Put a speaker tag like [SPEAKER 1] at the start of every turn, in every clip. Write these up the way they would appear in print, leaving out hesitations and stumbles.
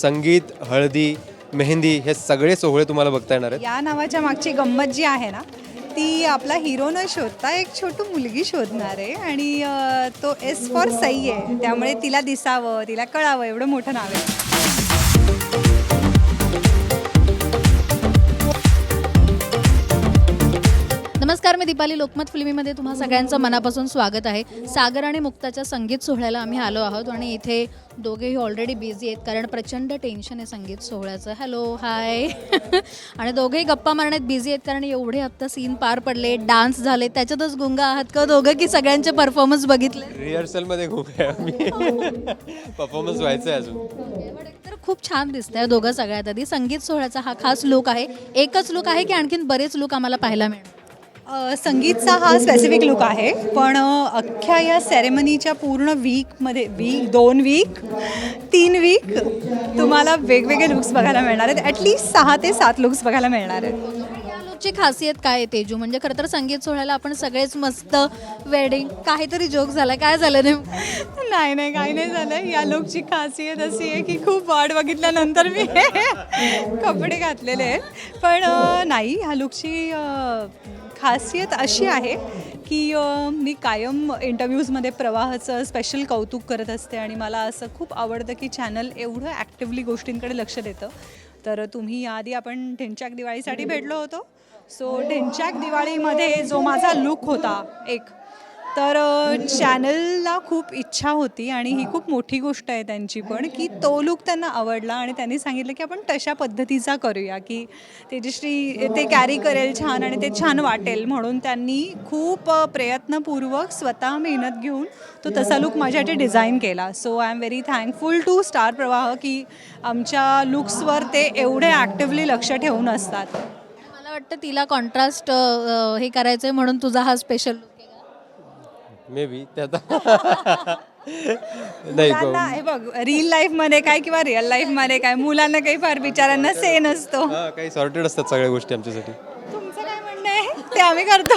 [SPEAKER 1] संगीत, हळदी, मेहंदी हे सगळे सोहळे तुम्हाला बघता येणार आहेत.
[SPEAKER 2] या नावाच्या मागची गंमत जी आहे ना, ती आपला हिरो न शोधता एक छोटी मुलगी शोधणार आहे आणि तो एस फॉर सई आहे, त्यामुळे तिला दिसावं, तिला कळावं एवढं मोठं नाव आहे.
[SPEAKER 3] नमस्कार, मी दीपाली. लोकमत फिल्मीमध्ये तुम्हा सगळ्यांचं मनापासून स्वागत आहे. सागर आणि मुक्ताच्या संगीत सोहळ्याला आम्ही आलो आहोत आणि इथे दोघेही ऑलरेडी बिझी आहेत कारण प्रचंड टेन्शन आहे संगीत सोहळ्याचं. Hello, hi. आणि दोघेही गप्पा मारण्यात बिझी आहेत कारण एवढे आत्ता सीन पार पडले, डान्स झाले, त्याच्यातच गुंगा आहात का दोघं की सगळ्यांचे परफॉर्मन्स बघितले?
[SPEAKER 1] रिहर्सलमध्ये खूप आहे आम्ही. परफॉर्मन्स व्हायचं आहे अजून.
[SPEAKER 3] तर खूप छान दिसतंय दोघं. सगळ्यात आधी संगीत सोहळ्याचा हा खास लुक आहे. एकच लुक आहे की आणखीन बरेच लुक आम्हाला पाहायला मिळणार?
[SPEAKER 2] संगीतचा हा स्पेसिफिक लुक आहे, पण अख्ख्या या सेरेमनीच्या पूर्ण वीकमध्ये 2 वीक 3 वीक तुम्हाला वेगवेगळे लुक्स बघायला मिळणार आहेत. ॲटलिस्ट 6 ते 7 लुक्स बघायला मिळणार आहेत.
[SPEAKER 3] या लुकची खासियत काय आहे तेजू? म्हणजे खरं तर संगीत सोहळ्याला आपण सगळेच मस्त वेडिंग, काहीतरी जोक झाला, काय झालं नेमकं?
[SPEAKER 2] नाही काही नाही झालं. या लुकची खासियत अशी आहे की खूप वाट बघितल्यानंतर मी हे कपडे घातलेले आहेत. पण नाही, ह्या लुकची खासियत अशी आहे की मी कायम इंटरव्ह्यूजमध्ये प्रवाहाचं स्पेशल कौतुक करत असते आणि मला असं खूप आवडतं की चॅनल एवढं ॲक्टिव्हली गोष्टींकडे लक्ष देतं. तर तुम्ही याआधी आपण ढिंच्याक दिवाळीसाठी भेटलो होतो. सो ढिंच्याक दिवाळीमध्ये जो माझा लुक होता एक, तर चॅनलला खूप इच्छा होती आणि ही खूप मोठी गोष्ट आहे त्यांची पण, की तो लुक त्यांना आवडला आणि त्यांनी सांगितलं की आपण तशा पद्धतीचा करूया की तेजश्री ते कॅरी करेल छान आणि ते छान वाटेल. म्हणून त्यांनी खूप प्रयत्नपूर्वक स्वतः मेहनत घेऊन तो तसा लुक माझ्यासाठी डिझाईन केला. So I am very thankful to Star Pravah की आमच्या लुक्सवर ते एवढे ॲक्टिव्हली लक्ष ठेवून असतात.
[SPEAKER 3] मला वाटतं तिला कॉन्ट्रास्ट हे करायचं आहे म्हणून तुझा हा स्पेशल लुक आहे.
[SPEAKER 1] मे बी ते आता
[SPEAKER 2] मुलांना हे बघ, रिअल लाईफमध्ये काय किंवा रिअल लाईफमध्ये काय, मुलांना काही फार बिचारांना से नसतो.
[SPEAKER 1] काही सॉर्टेड असतात सगळ्या गोष्टी आमच्यासाठी.
[SPEAKER 2] तुमचं काय म्हणणं आहे ते आम्ही करतो.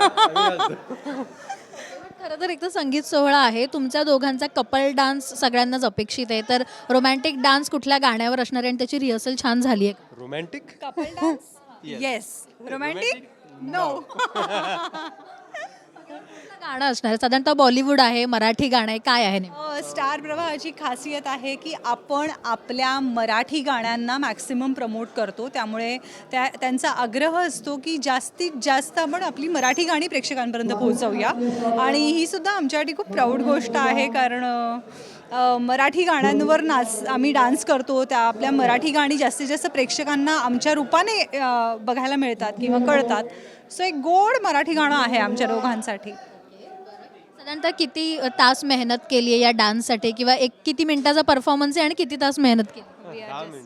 [SPEAKER 3] खरं तर एक तर संगीत सोहळा आहे, तुमच्या दोघांचा कपल डान्स सगळ्यांनाच अपेक्षित आहे. तर रोमॅन्टिक डान्स कुठल्या गाण्यावर असणार आहे आणि त्याची रिहर्सल छान झाली आहे का?
[SPEAKER 1] Romantic
[SPEAKER 2] couple dance yes, romantic no.
[SPEAKER 3] गाणं असणार आहे साधारणतः बॉलिवूड आहे, मराठी गाणं आहे, काय आहे नेमकं?
[SPEAKER 2] स्टार प्रवाहाची खासियत आहे की आपण आपल्या मराठी गाण्यांना मॅक्सिमम प्रमोट करतो. त्यामुळे त्यांचा आग्रह असतो की जास्तीत जास्त आपण आपली मराठी गाणी प्रेक्षकांपर्यंत पोहोचवूया. आणि ही सुद्धा आमच्यासाठी खूप प्राऊड गोष्ट आहे कारण मराठी गाण्यांवर आम्ही डान्स करतो. त्या आपल्या मराठी गाणी जास्तीत जास्त प्रेक्षकांना आमच्या रूपाने बघायला मिळतात किंवा कळतात. सो एक गोड मराठी गाणं आहे आमच्या दोघांसाठी.
[SPEAKER 3] साधारणतः किती तास मेहनत केली आहे या डान्ससाठी किंवा एक किती मिनिटाचा परफॉर्मन्स आहे आणि किती तास मेहनत केली?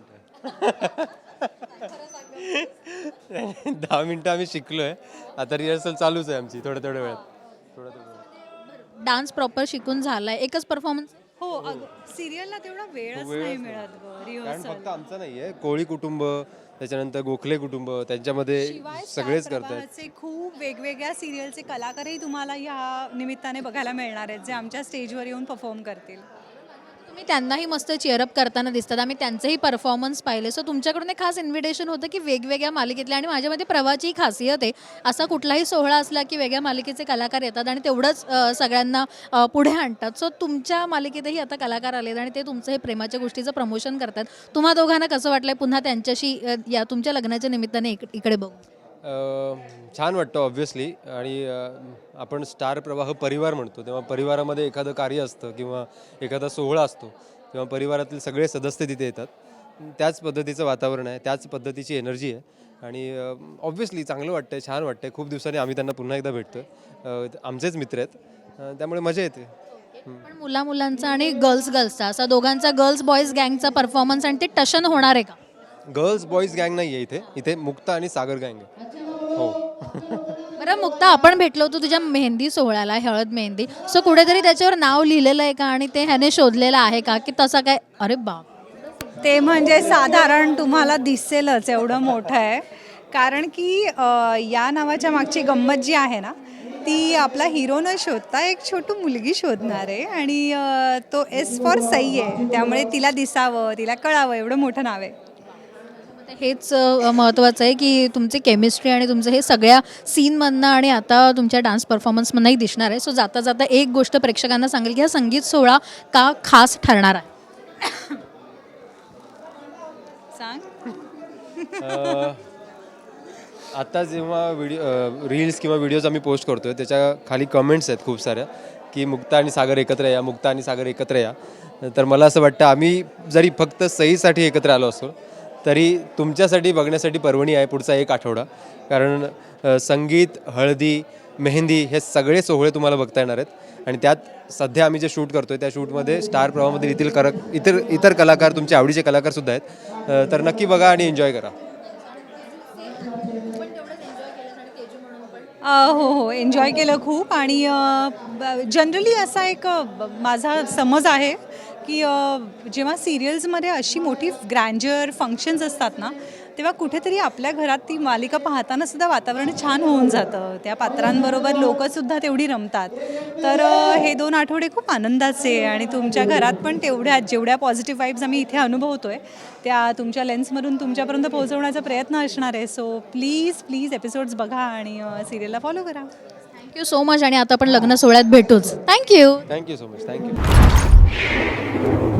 [SPEAKER 1] 10 मिनिटं आम्ही शिकलोय. आता रिहर्सल चालूच आहे आमची थोड्या वेळात.
[SPEAKER 3] डान्स प्रॉपर शिकून झालाय, एकच परफॉर्मन्स?
[SPEAKER 2] हो, सिरियलला तेवढा वेळच नाही मिळत
[SPEAKER 1] कारण
[SPEAKER 2] रिहर्सल.
[SPEAKER 1] फक्त आमचं नाहीये, कोळी कुटुंब, त्याच्यानंतर गोखले कुटुंब, त्यांच्यामध्ये सगळेच करतात.
[SPEAKER 2] खूप वेगवेगळ्या सिरियलचे कलाकारही तुम्हाला ह्या निमित्ताने बघायला मिळणार आहेत जे आमच्या स्टेजवर येऊन परफॉर्म करतील.
[SPEAKER 3] तुम्ही त्यांनाही मस्त चेअरअप करताना दिसतात, आम्ही त्यांचेही परफॉर्मन्स पाहिले. सो तुमच्याकडून एक खास इन्व्हिटेशन होतं की वेगवेगळ्या मालिकेतल्या, आणि माझ्यामध्ये प्रवाहाची खासियत आहे, असा कुठलाही सोहळा असला की वेगळ्या मालिकेचे कलाकार येतात आणि तेवढंच सगळ्यांना पुढे आणतात. सो तुमच्या मालिकेतही आता कलाकार आलेत आणि ते तुमचं हे प्रेमाच्या गोष्टीचं प्रमोशन करतात. तुम्हा दोघांना कसं वाटलंय पुन्हा त्यांच्याशी या तुमच्या लग्नाच्या निमित्ताने इकडे बघू?
[SPEAKER 1] छान वाटतं ऑब्व्हियसली. आणि आपण स्टार प्रवाह परिवार म्हणतो, तेव्हा परिवारामध्ये एखादं कार्य असतं किंवा एखादा सोहळा असतो तेव्हा परिवारातील सगळे सदस्य तिथे येतात. त्याच पद्धतीचं वातावरण आहे, त्याच पद्धतीची एनर्जी आहे आणि ऑब्व्हियसली चांगलं वाटतंय, छान वाटतंय. खूप दिवसांनी आम्ही त्यांना पुन्हा एकदा भेटतो. आमचेच मित्र आहेत, त्यामुळे मजा येते.
[SPEAKER 3] पण मुलांचा आणि गर्ल्सचा असा दोघांचा गर्ल्स बॉईज गँगचा परफॉर्मन्स आणि ते टशन होणार आहे का?
[SPEAKER 1] गर्ल्स बॉईज गँग नाही आहे इथे मुक्ता आणि सागर गँग आहे. हो.
[SPEAKER 3] बरं मुक्ता, आपण भेटलो होतो तुझ्या मेहंदी सोहळ्याला, हळद मेहंदी. सो कुठेतरी त्याच्यावर नाव लिहिलेलं आहे का आणि ते ह्याने शोधलेलं आहे का की तसं काय? अरे बाप,
[SPEAKER 2] ते म्हणजे साधारण तुम्हाला दिसेलच एवढं मोठं आहे. कारण की या नावाच्या मागची गंमत जी आहे ना, ती आपला हिरो न शोधता एक छोटू मुलगी शोधणार आहे आणि तो एस फॉर सई आहे, त्यामुळे तिला दिसावं, तिला कळावं एवढं मोठं नाव आहे.
[SPEAKER 3] हेच महत्त्वाचं आहे की तुमची केमिस्ट्री आणि तुमचं हे सगळ्या सीनमधनं आणि आता तुमच्या डान्स परफॉर्मन्समधनंही दिसणार आहे. सो जाता जाता एक गोष्ट प्रेक्षकांना सांगेल की हा संगीत सोहळा का खास ठरणार आहे.
[SPEAKER 2] सांग.
[SPEAKER 1] आता जेव्हा रील्स किंवा व्हिडिओज आम्ही पोस्ट करतोय त्याच्या खाली कमेंट्स आहेत खूप साऱ्या की मुक्ता आणि सागर एकत्र या, मुक्ता आणि सागर एकत्र या. तर मला असं वाटतं आम्ही जरी फक्त सईसाठी एकत्र आलो असतो तरी तुमच्यासाठी बघण्यासाठी पर्वणी आहे पुढचा 1 आठवडा. कारण संगीत, हळदी, मेहंदी हे सगळे सोहळे तुम्हाला बघता येणार आहेत आणि त्यात सध्या आम्ही जे शूट करतोय त्या शूटमध्ये स्टार प्रवाहामधील इतर कलाकार, तुमचे आवडीचे कलाकारसुद्धा आहेत. तर नक्की बघा आणि एन्जॉय करा.
[SPEAKER 2] हो, एन्जॉय केलं खूप. आणि जनरली असा एक माझा समज आहे की जेव्हा सिरियल्समध्ये अशी मोठी ग्रँजर फंक्शन्स असतात ना, तेव्हा कुठेतरी आपल्या घरात ती मालिका पाहताना सुद्धा वातावरण छान होऊन जातं. त्या पात्रांबरोबर लोकंसुद्धा तेवढी रमतात. तर हे 2 आठवडे खूप आनंदाचे आणि तुमच्या घरात पण जेवढ्या पॉझिटिव्ह वाईब्स आम्ही इथे अनुभवतोय त्या तुमच्या लेन्समधून तुमच्यापर्यंत पोहोचवण्याचा प्रयत्न असणार आहे. सो प्लीज एपिसोड्स बघा आणि सिरियलला फॉलो करा.
[SPEAKER 3] थँक्यू सो मच आणि आता आपण लग्न सोहळ्यात भेटूच. Thank you.
[SPEAKER 1] Thank you so much. Thank you.